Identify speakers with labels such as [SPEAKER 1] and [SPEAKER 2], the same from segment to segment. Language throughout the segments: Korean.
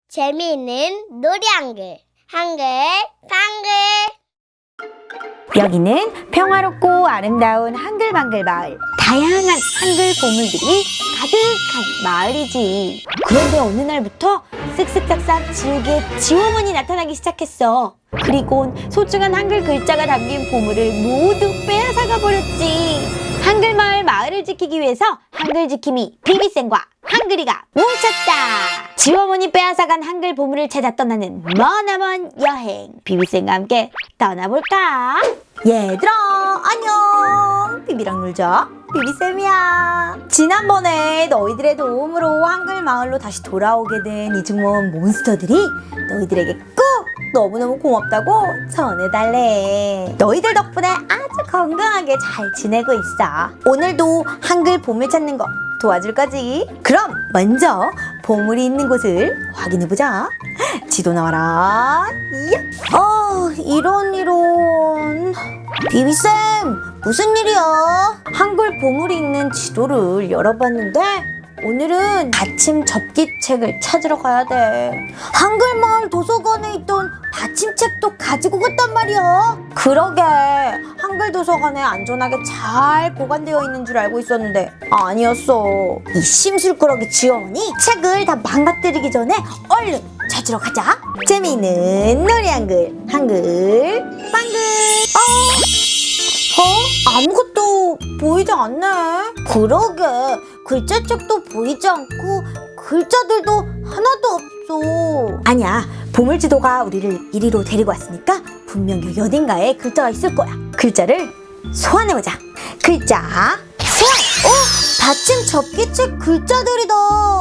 [SPEAKER 1] 재미있는 놀이 한글, 한글, 한글.
[SPEAKER 2] 여기는 평화롭고 아름다운 한글방글 마을. 다양한 한글 보물들이 가득한 마을이지. 그런데 어느 날부터 쓱쓱싹싹 지옥의 지워문이 나타나기 시작했어. 그리곤 소중한 한글 글자가 담긴 보물을 모두 빼앗아가 버렸지. 한글마을 마을을 지키기 위해서 한글지킴이 비비쌤과 한글이가 뭉쳤다. 지워문이 빼앗아간 한글 보물을 찾아 떠나는 머나먼 여행. 비비쌤과 함께 떠나볼까? 얘들아 안녕. 비비랑 놀자. 비비쌤이야. 지난번에 너희들의 도움으로 한글 마을로 다시 돌아오게 된 이중모험 몬스터들이 너희들에게 꼭 너무너무 고맙다고 전해달래. 너희들 덕분에 아주 건강하게 잘 지내고 있어. 오늘도 한글 보물 찾는 거 도와줄 거지? 그럼 먼저 보물이 있는 곳을 확인해보자. 지도 나와라. 이런. 비비쌤, 무슨 일이야? 한글 보물이 있는 지도를 열어봤는데 오늘은 받침 접기책을 찾으러 가야 돼. 한글마을 도서관에 있던 받침책도 가지고 갔단 말이야. 그러게, 한글 도서관에 안전하게 잘 보관되어 있는 줄 알고 있었는데 아니었어. 이 심술꾸러기 지원이 책을 다 망가뜨리기 전에 얼른 찾으러 가자. 재미있는 놀이 한글, 한글 빵글. 아무것도 보이지 않네. 그러게, 글자책도 보이지 않고 글자들도 하나도 없어. 아니야, 보물지도가 우리를 이리로 데리고 왔으니까 분명 여기 어딘가에 글자가 있을 거야. 글자를 소환해보자. 글자 소환! 받침 접기책 글자들이다.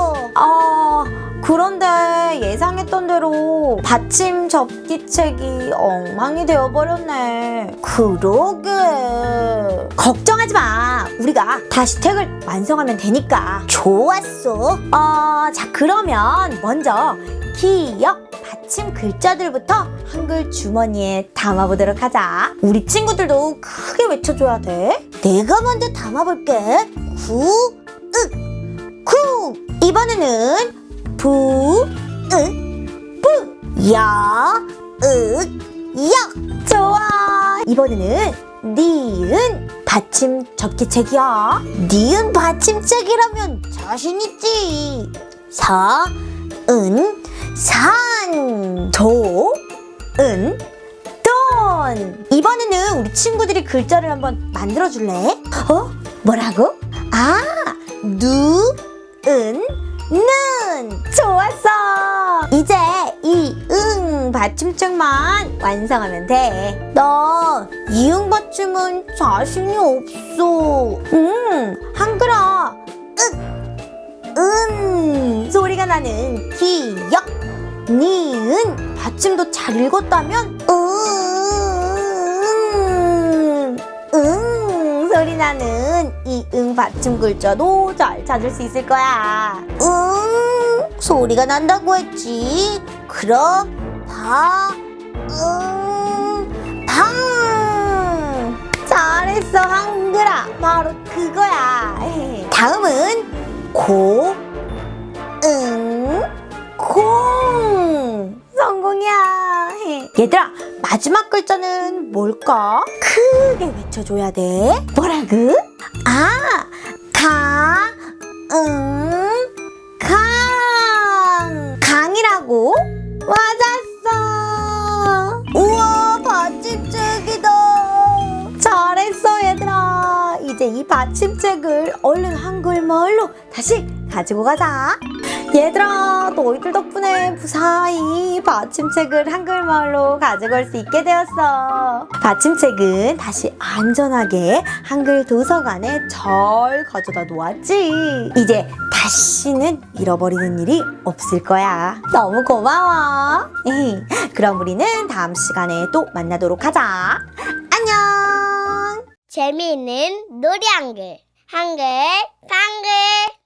[SPEAKER 2] 그런데 예상했던 대로 받침 접기책이 엉망이 되어버렸네. 그러게. 걱정하지 마. 우리가 다시 책을 완성하면 되니까. 좋았어. 자, 그러면 먼저 기역 받침 글자들부터 한글 주머니에 담아보도록 하자. 우리 친구들도 크게 외쳐줘야 돼. 내가 먼저 담아볼게. 구, 윽, 구. 이번에는 부, 윽, 부. 야, 윽, 역. 좋아. 이번에는 니은 받침 접기책이야. 니은 받침책이라면 자신있지. 서, 은, 산. 도, 은, 돈. 이번에는 우리 친구들이 글자를 한번 만들어줄래? 뭐라고? 누, 은, 는. 좋았어. 이제 이 응 받침책만 완성하면 돼. 나 이응 받침은 자신이 없어. 한글아, 윽, 은 소리가 나는 기역, 니은 받침도 잘 읽었다면 소리 나는 이 응 받침 글자도 잘 찾을 수 있을 거야. 소리가 난다고 했지. 그럼 방. 잘했어 한글아. 바로 그거야. 다음은 고, 응, 공. 성공이야. 얘들아, 마지막 글자는 뭘까? 크게 외쳐줘야 돼. 뭐라고? 가, 응, 강. 강이라고? 맞았어. 우와, 받침책이다. 잘했어 얘들아. 이제 이 받침책을 얼른 한글마을로 다시 가지고 가자. 얘들아, 너희들 덕분에 무사히 받침책을 한글마을로 가지고 올 수 있게 되었어. 받침책은 다시 안전하게 한글 도서관에 잘 가져다 놓았지. 이제 다시는 잃어버리는 일이 없을 거야. 너무 고마워. 그럼 우리는 다음 시간에 또 만나도록 하자. 안녕.
[SPEAKER 1] 재미있는 놀이 한글, 한글, 한글.